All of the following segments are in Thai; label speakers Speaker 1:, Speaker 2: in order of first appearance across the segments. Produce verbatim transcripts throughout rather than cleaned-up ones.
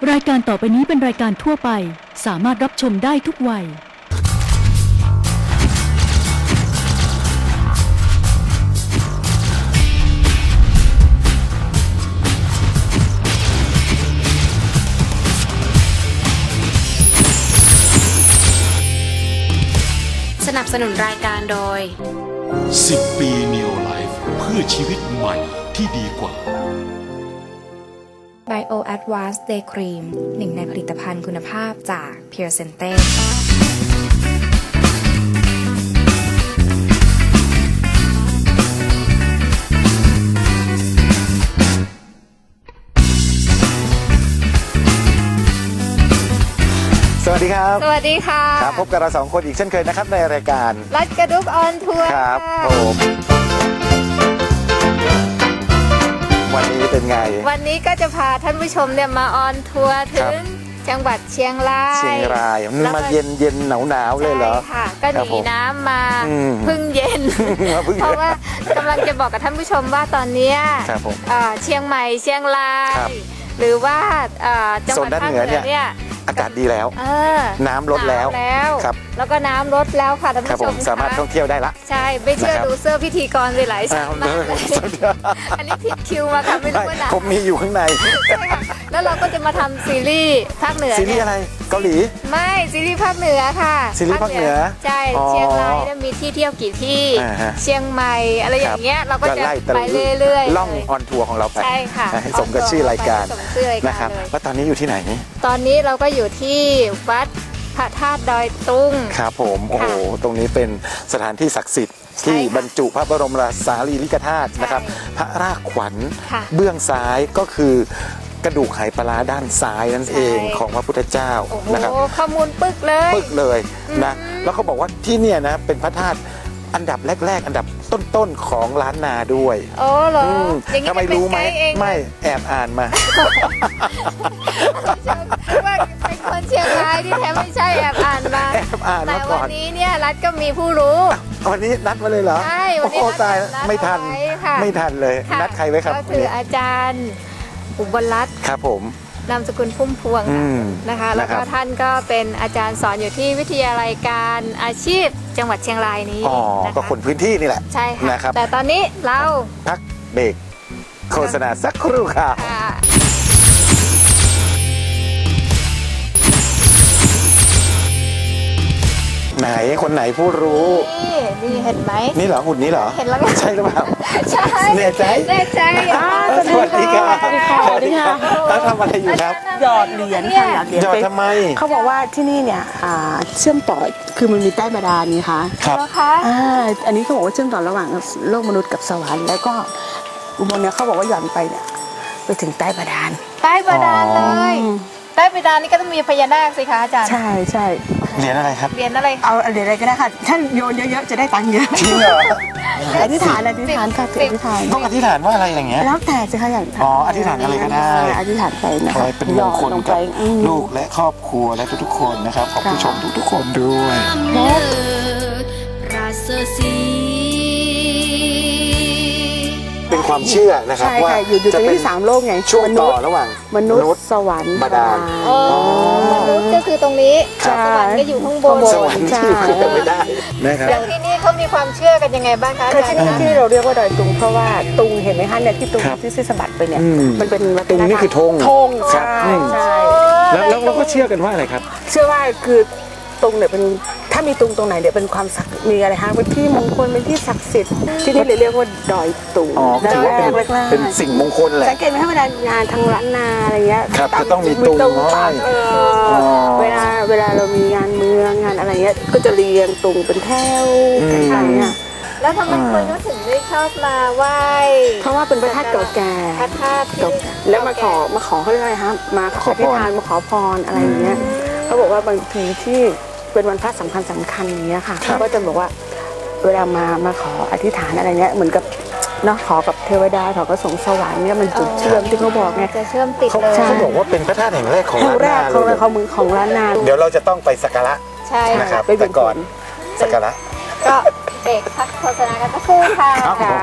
Speaker 1: รายการต่อไปนี้เป็นรายการทั่วไปสามารถรับชมได้ทุกวัย
Speaker 2: สนับสนุนรายการโดย
Speaker 3: สิบปี Neo Life เพื่อชีวิตใหม่ที่ดีกว่า
Speaker 2: Bio Advanced Day Cream หนึ่งในผลิตภัณฑ์คุณภาพจาก Pure Sente
Speaker 4: สวัสดีครับ
Speaker 5: สวัสดีค่ะ
Speaker 4: ครับพบกับเราสองคนอีกเช่นเคยนะครับในรายการ
Speaker 5: รัดกระดุกออนทัวร์
Speaker 4: ครับผมวันนี้เป็นไง
Speaker 5: วันนี้ก็จะพาท่านผู้ชมเนี่ยมาออนทัวร์ถึงจังหวัดเชียงราย
Speaker 4: เชียงรายมันมาเย็นเย็นหนาวหนาวเลยเหรอ
Speaker 5: ใช่ค่ะก็หนีน้ำมาพึ่งเย็นเพราะว่ากำลังจะบอกกับท่านผู้ชมว่าตอนนี้เชียงใหม่เชียงรายหรือว่าจังหวัดภาคเหนือเนี่ย
Speaker 4: อากาศดีแล้วน้ำลดแล้ว
Speaker 5: ครับแล้วก็น้ำลดแล้วค่ะท่านผู้ชม
Speaker 4: สามารถท่องเที่ยวได้ละ
Speaker 5: ใช่ไม่เชื่อดูเสื้อพิธีกรเลยหลายชั้นมากเลยอันนี้ผิดคิวมาค่ะไม่รู้ว่านะ
Speaker 4: ผมมีอยู่ข้างใน
Speaker 5: แล้วเราก็จะมาทำซีรีส์ภาคเหนือ
Speaker 4: ซีรีส์อะไรเกาหลี
Speaker 5: ไม่ซีรีส์ภาคเหนือค่ะ
Speaker 4: ซีรีส์ภาคเหนือ
Speaker 5: ใช่เชียงรายมีที่เที่ยวกี่ที่เชียงใหม่อะไรอย่างเงี้ยเราก็จะไปเรื่อย
Speaker 4: ๆล่องออนทัวร์ของเราไป
Speaker 5: ใช่ค่ะ
Speaker 4: ให้สมกับชื่อรายการนะครับแล้วตอนนี้อยู่ที่ไหน
Speaker 5: ตอนนี้เราก็อยู่ที่วัดพระธาตุดอยตุง
Speaker 4: ครับผมโอ้โหตรงนี้เป็นสถานที่ศักดิ์สิทธิ์ที่บรรจุพระบรมสารีริกธาตุนะครับพระรากขวัญเบื้องซ้ายก็คือกระดูกไหปลาร้าด้านซ้ายนั่นเองของพระพุทธเจ้านะครับ
Speaker 5: ข้อมูลปึกเลย
Speaker 4: ปึกเลยนะแล้วเขาบอกว่าที่เนี่ยนะเป็นพระธาตุอันดับแรกๆอันดับต้นๆของล้านนาด้วย
Speaker 5: โอ้เหรอ
Speaker 4: ทำไมรู้ไหมไม่แอบอ่านมา
Speaker 5: ว่าเป็นคนเชียงรายที่แท้ไม่ใช่แอบอ่านมา
Speaker 4: แอบอ่าน
Speaker 5: มาก่อนแต่วันนี้เนี่ยรัฐก็มีผู้รู้
Speaker 4: วันนี้นัดมาเลยเหรอ
Speaker 5: ใช่วันนี้
Speaker 4: นัดตายไม่ทันไม่ทันเลยนัดใครไว้ครับ
Speaker 5: ก็คืออาจารย์อุบลรัตน์
Speaker 4: ครับผม
Speaker 5: นามสกุลพุ่มพวงนะคะแล้วก็ท่านก็เป็นอาจารย์สอนอยู่ที่วิทยาลัยการอาชีพจังหวัดเชียงรายนี้
Speaker 4: อ๋อก็คนพื้นที่นี่แหละ
Speaker 5: ใช่ค่ะแต่ตอนนี้เรา
Speaker 4: พักเบรกโฆษณาสักครู่ค่ะไหนคนไหนผู้รู้
Speaker 5: นี่นี่เห็นไหม
Speaker 4: นี่เหรอหุ่นนี้เหรอ
Speaker 5: เห็นแล้ว
Speaker 4: ใช่หรือเปล่า
Speaker 5: ใช่
Speaker 4: แน่ใจ
Speaker 5: แน่ใจ
Speaker 4: สวัสดีค่ะ
Speaker 6: สวัสดีค่ะสวัสดีค่ะ
Speaker 4: แล้วทำอะไรอยู่ครับ
Speaker 6: หยอดเหรียญค่ะ
Speaker 4: หยอดทำไม
Speaker 6: เขาบอกว่าที่นี่เนี่ยเชื่อมต่อคือมันมีใต้บาดาลนี่ค่ะ
Speaker 4: ครับ
Speaker 6: อ่าอันนี้เขาบอกว่าเชื่อมต่อระหว่างโลกมนุษย์กับสวรรค์แล้วก็อุโมงค์เนี่ยเขาบอกว่าหย่อนไปเนี่ยไปถึงใต้บาดาล
Speaker 5: ใต้บาดาลเลยใต้บาดาลนี่ก็ต้องมีพญานาคสิคะอาจารย์
Speaker 6: ใช่ใช่
Speaker 4: เหรียญอะไรครับ
Speaker 5: เหรียญอะไร
Speaker 6: เอาเหรียญอะไรก็ได้ค่ะท่านโยนเยอะๆจะได้ตังค์เยอะ
Speaker 4: จริงเหรอ
Speaker 6: อธิษฐานอธิษฐานค่ะอธิษฐาน
Speaker 4: ต้องอธิษฐานว่าอะไรอย่างเงี้ย
Speaker 6: แล้วแต่สิคะอย่าง
Speaker 4: อ๋ออธิษฐานอะไรก็ได้
Speaker 6: อธิษฐานไปนะ
Speaker 4: ขอให้เป็นมงคลกับลูกและครอบครัวและทุกๆคนนะครับขอบผู้ชมทุกๆคนด้วยเป็นความเชื่อนะครับว่า
Speaker 6: จะเป็นที่สามโลกไง
Speaker 4: ช่วงต่อระหว่าง
Speaker 6: มนุษย์สวรรค์
Speaker 4: บาดาล
Speaker 5: มนุษย์ก็คือตรงนี้สวรรค์ก็อยู่ข้างบน
Speaker 4: สวรรค์ที่ขึ้นไม่ได้นะครับ
Speaker 5: อย่างที่นี่เขามีความเชื่อกันยังไงบ้างคะ
Speaker 6: คือที่นี่ที่เราเรียกว่าดอยตุงเพราะว่าตุงเห็นไหมคะเนี่ยที่ตุงที่ซิสบัดไปเนี่ยมันเป็น
Speaker 4: ตุงนี่คือธง
Speaker 6: ธงใช่ใช่
Speaker 4: แล้วเราก็เชื่อกันว่าอะไรครับ
Speaker 6: เชื่อว่าคือตุงเนี่ยเป็นถ้ามีตุงตรงไหนเนี่ยเป็นความศักดิ์มีอะไรฮะเป็นที่มงคลเป็นที่ศักดิ์สิทธิ์ที่นี่เลยเรียกว่าดอยตุง
Speaker 4: อ๋อถือว่าเป็นเป็นสิ่งมงคลแหละ
Speaker 6: สังเกตไหมถ้าเวลางานทางร้านนาอะไรเงี้ย
Speaker 4: ครับจะต้องมีตุง
Speaker 6: เวลาเวลาเรามีงานเมืองงานอะไรเงี้ยก็จะเรียงตุงเป็นแถวอะไรเงี้ย
Speaker 5: แล้วทำไมคนเขาถึงได้ชอบมาไหว้
Speaker 6: เพราะว่าเป็นพระธาตุเก่าแก่
Speaker 5: พระธาตุ
Speaker 6: แล้วมาขอมาขอเขาเรียกอะไรครับมาขอพิธานมาขอพรอะไรอย่างเงี้ยเขาบอกว่าบางทีที่เป็นวันพระสำคัญสำคัญอย่างเงี้ยค่ะเขาก็จะบอกว่าเวลามามาขออธิษฐานอะไรเงี้ยเหมือนกับเนาะขอกับเทวดาขอกระสงสวรรค์เนี่ยมันจุดเชื่อมที่เขาบอกไง
Speaker 5: จะเชื่อมติดเลย
Speaker 4: เขาบอกว่าเป็นพระธาตุแห่งแรกของล้านนา
Speaker 6: ของของเมืองของล้านนา
Speaker 4: เดี๋ยวเราจะต้องไปสักการะ
Speaker 5: ใช่
Speaker 4: นะครับแต่ก่อนสักการะ
Speaker 5: ก็เบรกพักโฆษณากันสักครู่ค่ะ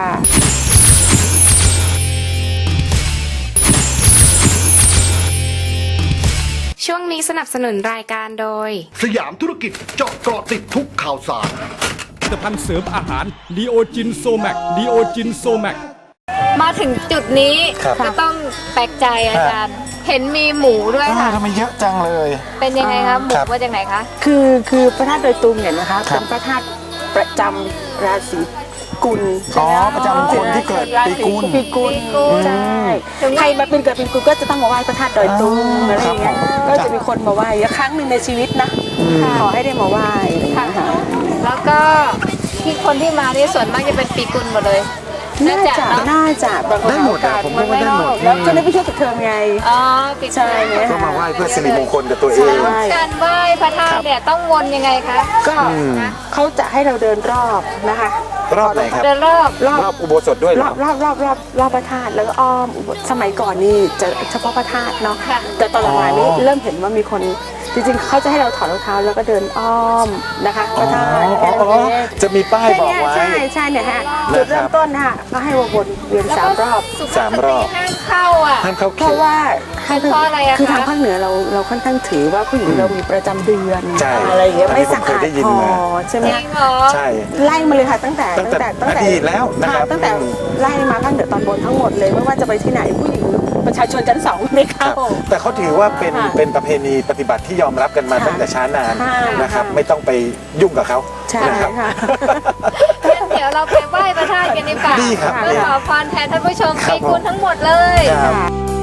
Speaker 7: ช่วงนี้สนับสนุนรายการโดย
Speaker 8: สยามธุรกิจเจาะเกาะติดทุกข่าวสาร
Speaker 9: ผลิตภัณฑ์เสริมอาหารดีโอจินโซแมกดีโอจินโซแมก
Speaker 5: มาถึงจุดนี้
Speaker 4: ครับ
Speaker 5: ก็ต้องแปลกใจอาจารย์ เห็นมีหมูด้วย
Speaker 4: อ้า
Speaker 5: ค่ะ
Speaker 4: วทำไมเยอะจังเลย
Speaker 5: เป็นยังไงคะหมู
Speaker 4: ครับ
Speaker 5: มาจากไหนคะ
Speaker 6: คือคือพระธาตุดอยตุงเนี่ยนะคะ
Speaker 4: ครับ
Speaker 6: เป็นพระธาตุประจำราศีกุล
Speaker 4: อ๋อประจำคนที่เกิดปีกุล
Speaker 6: ปีกุล
Speaker 5: ปีกุล
Speaker 6: ใช่ใครมาเป็นเกิดปีกุลก็จะต้องมาไหว้พระธาตุดอยตุง
Speaker 4: อ๋ออ
Speaker 6: อะไรอย่างเงี้ย
Speaker 4: ครับผม
Speaker 6: ก็จะมีคนมาไหว้ครั้งหนึ่งในชีวิตนะขอให้ได้มาไหว้อะไรอย่างเงี้ยค่ะ
Speaker 5: แล้วก็ที่คนที่มานี่ส่วนมากจะเป็นปีกุลหมดเลย
Speaker 6: น่าจะ
Speaker 5: เนอะ
Speaker 6: น่าจะบางคน
Speaker 4: ได้หมดอะผมว่าได้หมด
Speaker 6: แล้วก็ได้ไปเที่ยวกับเธอไง
Speaker 5: อ๋อปีกุล
Speaker 6: ใช่ไหม
Speaker 4: ก็มาไหว้เพื่อสิริมงคลกับตัวเอง
Speaker 6: ใช่
Speaker 5: การไหว้พระธาตุเนี่ยต้องวนยังไงคะ
Speaker 6: ก็เขาจะให้เราเดินรอบนะคะ
Speaker 4: รอบไหนครับ
Speaker 5: เดินรอบ
Speaker 6: รอบ
Speaker 4: รอบอุโบสถด้วยเห
Speaker 6: ร
Speaker 4: ร
Speaker 6: อ
Speaker 4: อ
Speaker 6: บรอบรอบรอบรอบพระธาตุแล้วก็อ้อมอุโบสถสมัยก่อนนี่จะเฉพาะพระธาตุเนาะแต่ตอนหลังๆนี้
Speaker 4: อ๋อ
Speaker 6: เริ่มเห็นว่ามีคนจริงๆเขาจะให้เราถอดรองเท้าแล้วก็เดินอ้อมนะคะพระธาตุ
Speaker 4: อ๋อ
Speaker 6: แค่นั้น
Speaker 4: อ๋อ
Speaker 6: เอง
Speaker 4: จะมีป้าย
Speaker 6: แค่
Speaker 4: บอก
Speaker 6: เนี้ย
Speaker 4: ไว้
Speaker 6: ใช่ใช่เนี่ยฮะ
Speaker 4: นะครับ
Speaker 6: จุดเริ่มต้นนะคะก็ให้วนเวียน
Speaker 5: แล้ว
Speaker 6: สาม
Speaker 5: ก็
Speaker 6: รอบ
Speaker 5: สุภ
Speaker 4: สามรอบ
Speaker 5: สตห้ามเข้าอ่ะ
Speaker 4: ห้ามเข้า
Speaker 6: เพ
Speaker 4: เข
Speaker 6: ราะ
Speaker 4: ต
Speaker 6: ว่า
Speaker 5: เป็นเพราะอะไรอะคะ
Speaker 6: คือทางภาคเหนือเราเราค่อนข้างถือว่าผู้หญิงเรามีประจำเดือน
Speaker 4: ใช่
Speaker 6: อะไรอย่างเงี้ย
Speaker 4: อันนี้
Speaker 6: ไม่สะ
Speaker 4: ผมเคย
Speaker 6: อาด
Speaker 4: ได้ยิน
Speaker 6: พอ
Speaker 4: มา
Speaker 6: ใช่ไหม
Speaker 5: จริงเหรอ
Speaker 4: ใช่
Speaker 6: ไล่มาเลยค่ะตั้งแต่
Speaker 4: ตั้งแต่อดีตแล้วนะครับ
Speaker 6: ค่ะตั้งแต่ไล่มาภาคเหนือตอนบนทั้งหมดเลยไม่ว่าจะไปที่ไหนผู้หญิงประชาชนชั้นสองไม่
Speaker 4: ครั
Speaker 6: เข้า
Speaker 4: บแต่เขาถือว่าเป็น
Speaker 6: ค่ะ
Speaker 4: เป็นประเพณีปฏิบัติที่ยอมรับกันมา
Speaker 6: ค่ะ
Speaker 4: ตั้งแต่ช้านาน
Speaker 6: ค่ะ
Speaker 4: นะครับ
Speaker 6: ค่ะ
Speaker 4: ไม่ต้องไปยุ่งกับเขา
Speaker 6: ใช่
Speaker 4: นะครับ
Speaker 6: ค่ะ
Speaker 5: งั้นเดี๋ยวเราไปไหว้พระธาตุกันดีกว่า
Speaker 4: ดีครับ
Speaker 5: เพื่อขอพรแทนท่านผู้ชม
Speaker 4: ครับ
Speaker 5: ปีกุลทั้งหมดเลย
Speaker 4: ครับ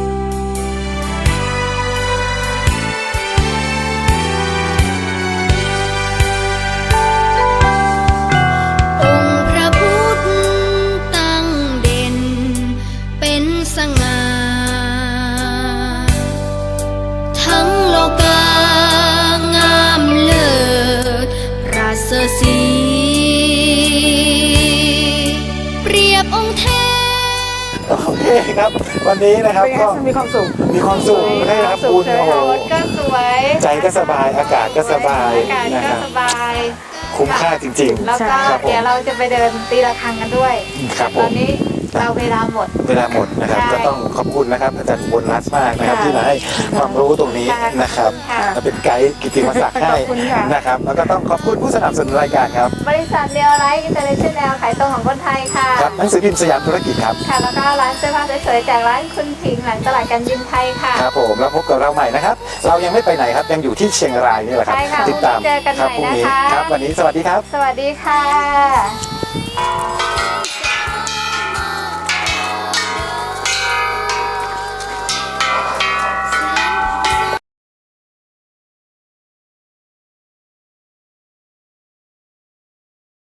Speaker 10: องค์พระพุทธตั้งเด่นเป็นสง่าทั้งโลกางามเลิศราชสีเปรียบองค์เทพ
Speaker 4: โอเคครับ วันนี้นะครับ
Speaker 6: เป็นไง
Speaker 4: ก็
Speaker 6: มีความสุข
Speaker 4: มีความสุขได้รับบุญโอ้โห
Speaker 5: รถก็สวย
Speaker 4: ใจก็สบายอากาศก็สบาย
Speaker 5: อากาศ
Speaker 4: นะ
Speaker 5: ก็
Speaker 4: ครับ
Speaker 5: สบาย
Speaker 4: คุ้มค่าจริง
Speaker 5: แล้วก็
Speaker 4: ครับผม
Speaker 5: เดี๋ยวเราจะไปเดินตีระฆังกันด้วย
Speaker 4: ครับผม
Speaker 5: ตอนนี้เราเวลาหมด
Speaker 4: เวลาหมดนะครับ
Speaker 5: ใช่
Speaker 4: ก็ต้องขอบคุณนะครับอาจารย์อุบลรัตน์มากนะครับ
Speaker 6: ค่ะ
Speaker 4: ที่มาให้ความรู้ตรงนี้
Speaker 5: ค่ะ
Speaker 4: นะครับ
Speaker 5: ค่ะ
Speaker 4: และเป็นไกด์กิตติมศักดิ์ให้
Speaker 6: ขอบคุณค่ะ
Speaker 4: นะครับแล้วก็ต้องขอบคุณผู้สนับสนุนรายการครับ
Speaker 5: บริษัทเดียวไลท์อินเตอร์เนชั่นแนลขายตรงของคนไทยค่ะ
Speaker 4: ครับหนังสือพิมพ์สยามธุรกิจครับ
Speaker 5: ค่ะ แล้วก็ร้านเสื้อผ้าสวยๆจากร้านคุณผิงหลังตลาดการบินไทยค่ะ
Speaker 4: ครับผมแล้วพบกับเราใหม่นะครับ เรายังไม่ไปไหนครับยังอยู่ที่เชียงรายนี่แหละครับ
Speaker 5: ใช่ค่ะ
Speaker 4: ติดตาม
Speaker 5: พรุ่งนี้เจอกัน
Speaker 4: ครับ
Speaker 5: ใหม่
Speaker 4: พรุ่งนี้
Speaker 5: นะคะ
Speaker 4: ครับวันนี้สวัสดีครับ
Speaker 5: สวัสดีค่ะ